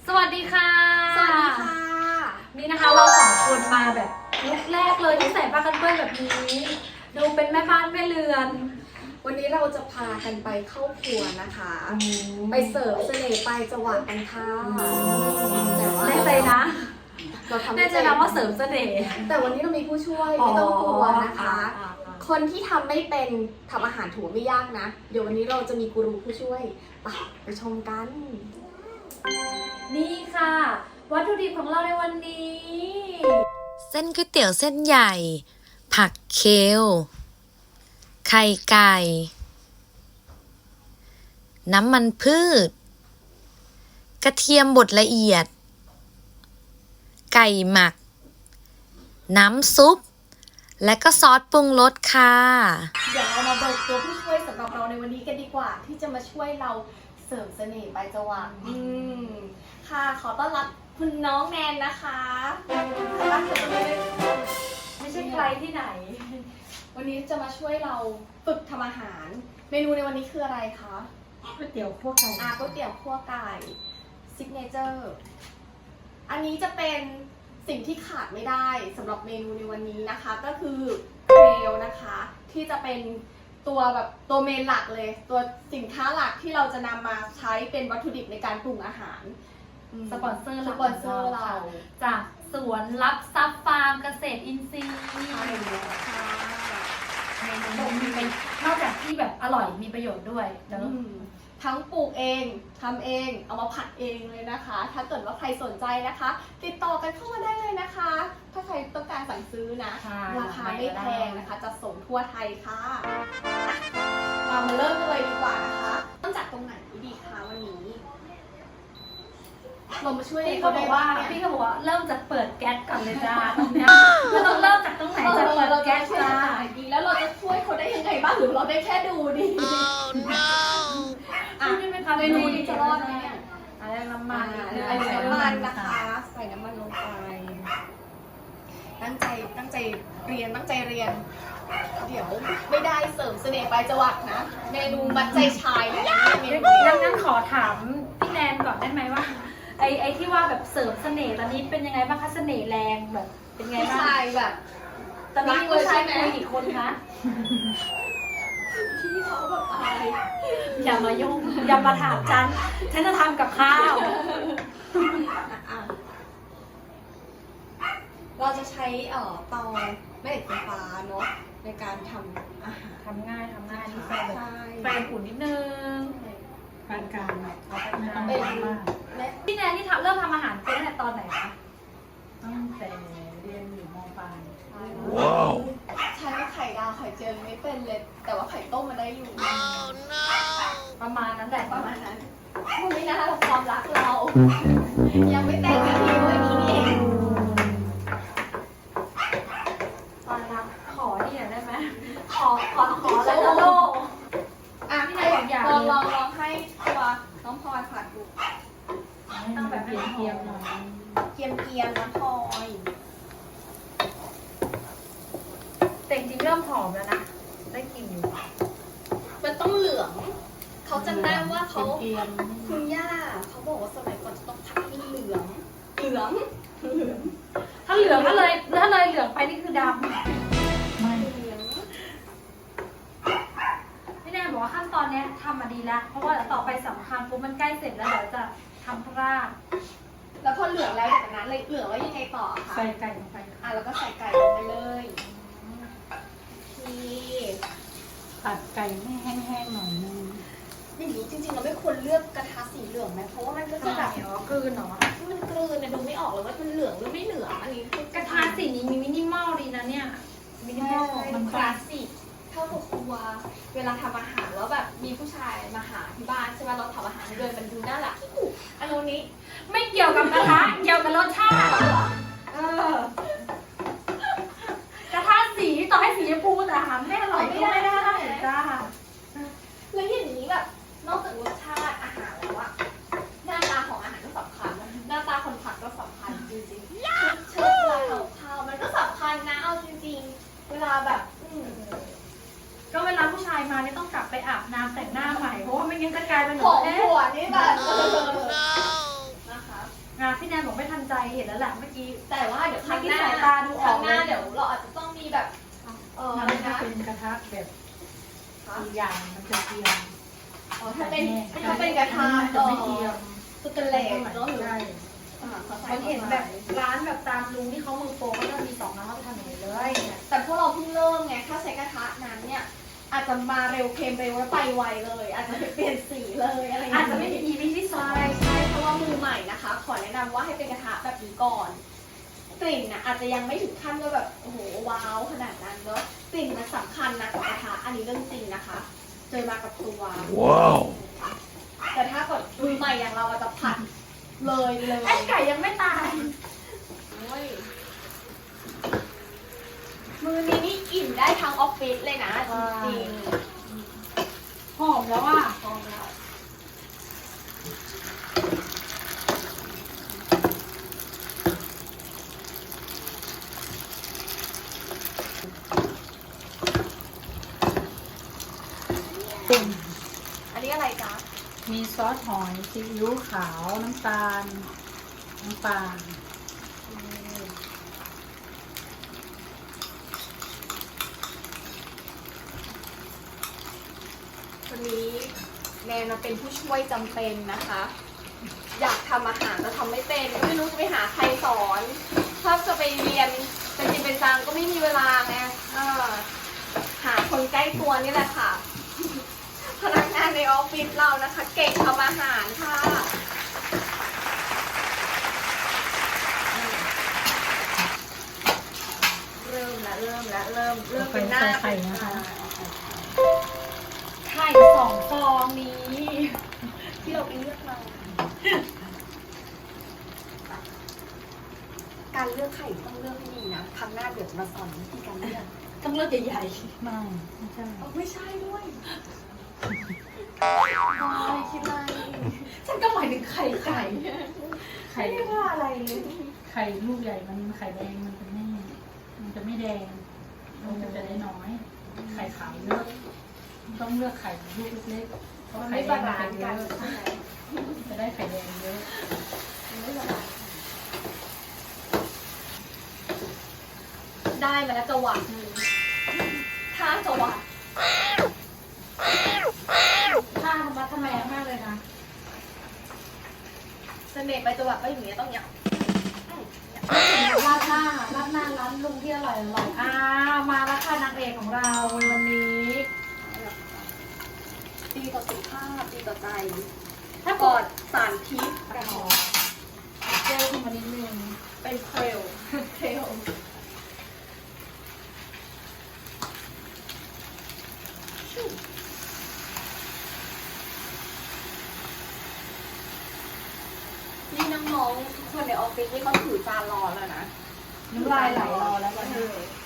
สวัสดีค่ะสวัสดีค่ะนี่นะคะเราสองคนมาแบบลุคแรกเลยที่ใส่ผ้ากันเปื้อนแบบนี้ ดูเป็นแม่บ้านแม่เรือนวันนี้เราจะพากันไปเข้าครัวนะคะ ไปเสิร์ฟเสน่ห์ไปจังหวะกันค่ะแต่ว่าแน่ใจนะเราทำแน่ใจนะว่าเสริมเสน่ห์แต่วันนี้เรามีผู้ช่วยไม่ต้องกลัวนะคะอ๋อคนที่ทำไม่เป็นทำอาหารถือว่าไม่ยากนะ เดี๋ยววันนี้เราจะมีกูรูผู้ช่วยไปชมกันนี่ค่ะ วัตถุดิบของเราในวันนี้เส้นก๋วยเตี๋ยวเส้นใหญ่ ผักเคล ไข่ไก่ น้ำมันพืช กระเทียมบดละเอียด ไก่หมัก น้ำซุป และก็ซอสปรุงรสค่ะเดี๋ยวเรามาเบิกตัวผู้ช่วยสำหรับเราในวันนี้กันดีกว่า ที่จะมาช่วยเราเสริมเสน่ห์ไปจังหวะค่ะขอต้อนรับคุณน้องแนนนะคะรักเธอไม่ใช่ใครที่ไหน วันนี้จะมาช่วยเราฝึกทำอาหาร เมนูในวันนี้คืออะไรคะก๋วยเตี๋ยวคั่วไก่ก๋วยเตี๋ยวคั่วไก่ซิกเนเจอร์อันนี้จะเป็นสิ่งที่ขาดไม่ได้สำหรับเมนูในวันนี้นะคะ ก็คือเครลนะคะ ที่จะเป็นตัวเมนหลักเลย ตัวสินค้าหลักที่เราจะนำมาใช้เป็นวัตถุดิบในการปรุงอาหารสปอนเซอร์สปอนเซอร์เราจากสวนรับทรัพย์ฟาร์มเกษตรอินทรีย์ใช่แล้วค่ะเมนูมีเป็นนอกจากที่แบบอร่อยมีประโยชน์ด้วยเนอะทั้งปลูกเองทำเองเอามาผัดเองเลยนะคะ ถ้าเกิดว่าใครสนใจนะคะ ติดต่อกันเข้ามาได้เลยนะคะ ถ้าใครต้องการสั่งซื้อนะ ราคาไม่แพงนะคะจะส่งทั่วไทยค่ะเรามาเริ่มกันเลยดีกว่านะคะเริ่มจากตรงไหนดีคะวันนี้เรามาช่วยพี่เขาบอกว่าเนี่ยพี่เขาบอกว่าเริ่มจากเปิดแก๊สก่อนเลยจ้าตรงเนี้ยเราต้องเริ่มจากตรงไหนจะเปิดแก๊สจ้าดีแล้วเราจะช่วยเขาได้ยังไงบ้างหรือเราได้แค่ดูดีนี่เป็นคำเมนูนี้จะรอดไหมเนี่ยอะไรน้ำมันใส่น้ำมันนะคะ ใส่น้ำมันลงไป ตั้งใจเรียน เดี๋ยวไม่ได้เสริมเสน่ห์ปลายจวักนะ เมนูมัดใจชายเลยนะเมนูนี้งั้นขอถามพี่แนนก่อนได้ไหมว่าไอที่ว่าแบบเสริมเสน่ห์ตอนนี้เป็นยังไงบ้างคะเสน่ห์แรงแบบเป็นไงผู้บ้างชายแบบตอนนี้มีผู้ชายคุยกี่คนคะพี่เขาแบบอายอย่ามายุ่งอย่ามาถามฉันจะทำกับข้าวอ่ะเราจะใช้เตาแม่เหล็กไฟฟ้าเนาะในการทำอาหารทำง่ายนี่ไฟแบบใช่ไฟอุ่นนิดนึงปานกลางเอาไปทำเป็นมากแม่พี่แนนนี่เริ่มทำอาหารเป็นตั้งแต่ตอนไหนคะตั้งแต่เรียนอยู่มปลายใช้ไข่ดาวไข่เจียวไม่เป็นเลย แต่ว่าไข่ต้มมาได้อยู่ประมาณนั้นแหละประมาณนั้นมันไม่น่าหรอกความรักเรา ยังไม่แต่งกันทีวันนี้นี่เองตอนรับขอนี่หน่อยได้ไหมขอแล้วก็โลกอ่ะพี่นายบอกอย่างลองให้ตัวน้องพลอยผัดดูต้องแบบเพียมๆหน่อยเกียมน้องพลอยแต่จริงๆเริ่มหอมแล้วนะ ได้กลิ่นอยู่มันต้องเหลือง เขาจำได้ว่าเขาเกียมคุณย่าเขาบอกว่าสมัยก่อนจะต้องผัดให้เหลืองถ้าเหลืองถ้าเลยเหลืองไปนี่คือดำไม่พี่แนนบอกว่าขั้นตอนเนี้ยทำมาดีแล้ว เพราะว่าเดี๋ยวต่อไปสำคัญปุ๊บมันใกล้เสร็จแล้วเดี๋ยวจะทำพราดแล้วพอเหลืองแล้วจากนั้นเลยเหลืองแล้วยังไงต่อคะใส่ไก่ลงไปแล้วก็ใส่ไก่ลงไปเลยนี่ตัดไก่ให้แห้งๆหน่อยนึงอย่างนี้จริงๆเราไม่ควรเลือกกระทะสีเหลืองไหมเพราะว่ามันก็จะแบบกลืนเหรอมันกลืนนะดูไม่ออกเลยว่ามันเหลืองหรือไม่เหลืองอันนี้คือกระทะสีนี้มีมินิมอลดีนะเนี่ย มินิมอลมันคลาสสิกเข้ากับครัวเวลาทำอาหารแล้วแบบมีผู้ชายมาหาที่บ้านใช่ไหมเราทำอาหารเดินมันดูน่ารักอันนี้ไม่เกี่ยวกับกระทะ เกี่ยวกับรสชาติกระทะสีต่อให้สีชมพูแต่อาหารไม่อร่อยก็ไม่ได้จ้าแล้วอย่างนี้แบบนอกจากรสชาติอาหารแล้วอะหน้าตาของอาหารก็สำคัญหน้าตาคนผัดก็สำคัญจริงๆเชิญเวลาทำข้าวมันก็สำคัญนะเอาจริงๆเวลาแบบก็เวลาผู้ชายมาเนี่ยต้องกลับไปอาบน้ำแต่งหน้าใหม่เพราะว่าไม่งั้นจะกลายเป็นของเอ๊ะหัวนี่แบบนะคะเห็นแล้วแหละเมื่อกี้แต่ว่าเดี๋ยวครั้งหน้าไม่คิดสายตาดูออกครั้งหน้าเลยเดี๋ยวเราอาจจะต้องมีแบบมันอะไรจะนะเป็นกระทะแบบอีกอย่างมันจะเตรียมอ๋อถ้าเป็นกระทะจะไม่เตรียมสเตนเลสเนาะหรือใช่มันเห็นแบบร้านแบบตามลุงที่เขามือโปรก็จะมี2ร้านเขาจะทำอย่างนี้เลยเนี่ยแต่พวกเราเพิ่งเริ่มไงถ้าใช้กระทะนั้นเนี่ยอาจจะมาเร็วเค็มเร็วแล้วไปไวเลย อาจจะเปลี่ยนสีเลยอะไรอย่างอาจเงี้ยจะไม่มี EP ที่สอใช่งใช่เพราะว่ามือใหม่นะคะ ขอแนะนำว่าให้เป็นกระทะแบบนี้ก่อน กลิ่นนะอาจจะยังไม่ถึงขั้นว่าแบบโอ้โหว้าวขนาดนั้นเนาะกลิ่นมันสำคัญนะกับกระทะอันนี้เรื่องจริงนะคะ เจอมากับตัวว้าวแต่ถ้ากดมือใหม่อย่างเราอาจจะผัดเลยเลยไอ้ไก่ยังไม่ตายโอ้ยมือนี้นี่กลิ่นได้ทั้งออฟฟิศเลยนะจริงหอมแล้วอ่ะๆพร้อมแล้ว อันนี้อะไรจ๊ะมีซอสหอยซีอิ๊วขาวน้ำตาลน้ำปลาวันนี้แนนมาเป็นผู้ช่วยจำเป็นนะคะ อยากทำอาหารแต่ทำไม่เป็นไม่รู้จะไปหาใครสอนถ้าจะไปเรียนเป็นจริงเป็นจังก็ไม่มีเวลาไงหาคนใกล้ตัวนี่แหละค่ะ พนักงานในออฟฟิศเรานะคะ เก่งทำอาหารค่ะเริ่มเป็นหน้าใส่ไข่นะคะไข่2 ฟองนี้ที่เราไปเลือกมา การเลือกไข่ต้องเลือกให้ดีนะครั้งหน้าเดี๋ยวจะมาสอนวิธีการเลือกต้องเลือกใหญ่ไม่ใช่ไม่ใช่ด้วยคิดอะไรๆฉันก็หมายถึงไข่ไก่ไข่ไม่ได้ว่าอะไรเลยไข่ลูกใหญ่มันไข่แดงมันจะไม่แดงมันจะได้น้อย ไข่ขาวเยอะต้องเลือกไข่ลูกเล็กๆเพราะมันไข่ไม่แดบางมันลานจะซ์เยกันอะใช่ไหมจะได้ไข่แดงเยอะมันไม่บาลานซ์ได้มาแล้วจังหวะหนึ่งถ้าจังหวะถ้าธรรมะทำแมงมากเลยนะเสน่ห์ไปจังหวะก็อย่างเงี้ยต้องอย่างราดหน้าร้านลุงที่อร่อยมาแล้วค่ะนางเอกของเราวันนี้ดีต่อสุขภาพดีต่อใจถ้าปกลอดดสารพิษเจลขึ้นมานิดนึงเป็นเครลนี่น้องๆทุกคนในออฟฟิศนี่เขาถือจานรอแล้วนะน้ำลายไหลรอแล้ววันนี้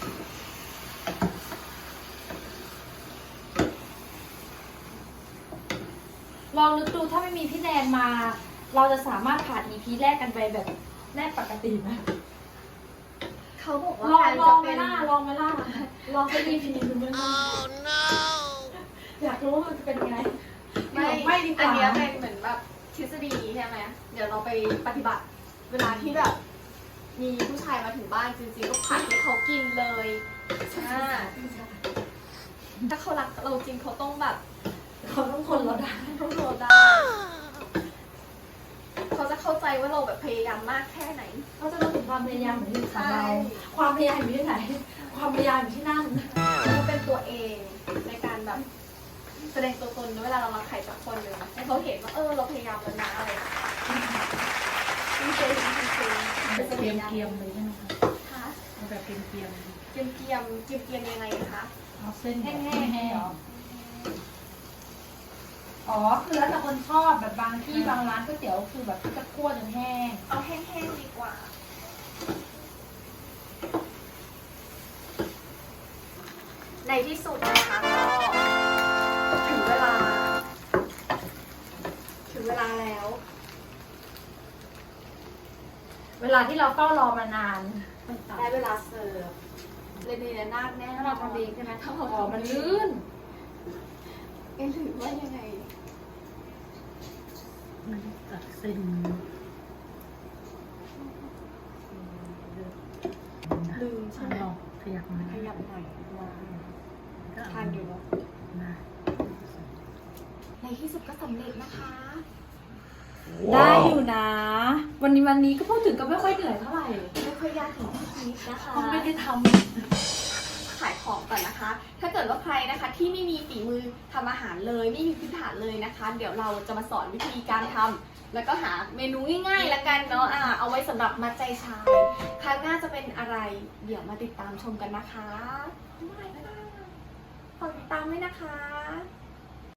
ลองนึกดูถ้าไม่มีพี่แนนมา เราจะสามารถผ่าน EP แรกกันไปแบบแรกปกติไหมเขาบอกว่าลองการลอจะงไหมเป็นล่ะลองไหมล่ะลองสัก EP ดูไหมล่ะอยากรู้ว่ามันจะเป็นยังไง ไม่ดีกอันว่าเนี้ยเป็นเหมือนแบบทฤษฎีใช่ไหมเดี๋ยวเราไปปฏิบัติ เวลาที่แบบ มีผู้ชายมาถึงบ้านจริงๆก็ผัดให้เขากินเลยถ้าเขารักเราจริงเขาต้องแบบเขาต้องคนเราได้ต้องโดนได้เขาจะเข้าใจว่าเราแบบพยายามมากแค่ไหนเขาจะรู้ถึงความพยายามของที่ของเราใช่ความพยายามอยู่ที่ไหน ความพยายามอยู่ที่นั่นเขาเป็นตัวเองในการแบบแสดงตัวตนเวลาเรารักใครสักคนหนึ่งให้เขาเห็นว่าเราพยายามแล้วนะอะไรจริงๆจริงๆแบบเกรียมๆเลยใช่ไหมคะค่ะเอาแบบเกรียมเกียมยังไงคะๆเอาเส้นแห้แห้งงๆเหรอ อ๋อ คือแล้วแต่คนชอบแบบบางที่บางร้านก๋วยเตี๋ยวคือแบบจะคั่วจนแห้งเอาแห้งๆดีกว่า ในที่สุดนะคะก็ถึงเวลาแล้วเวลาที่เราเฝ้ารอมานานได้เวลาเสิร์ฟเลยดีนะนาดแน่ถ้าเราทำเองใช่ไหมถ้าเราอ๋อมันลื่นหรือว่ายังไงตัดเส้นยับหน่อยมาทานอยู่เนาะในที่สุดก็สำเร็จนะคะได้อยู่นะ วันนี้ก็พูดถึงก็ไม่ค่อยเหนื่อยเท่าไหร่ไม่ค่อยยากถึงที่คิดนะคะเพราะไม่ได้ทขายของก่อนนะคะ ถ้าเกิดว่าใครนะคะที่ไม่มีฝีมือทำอาหารเลยไม่มีพื้นฐานเลยนะคะ เดี๋ยวเราจะมาสอนวิธีการทำแล้วก็หาเมนูง่ายๆละกันเนาะเอาไว้สำหรับมัดใจชายครั้งหน้าจะเป็นอะไร เดี๋ยวมาติดตามชมกันนะคะบ๊ายบายค่ะฝากติดตามด้วยนะคะ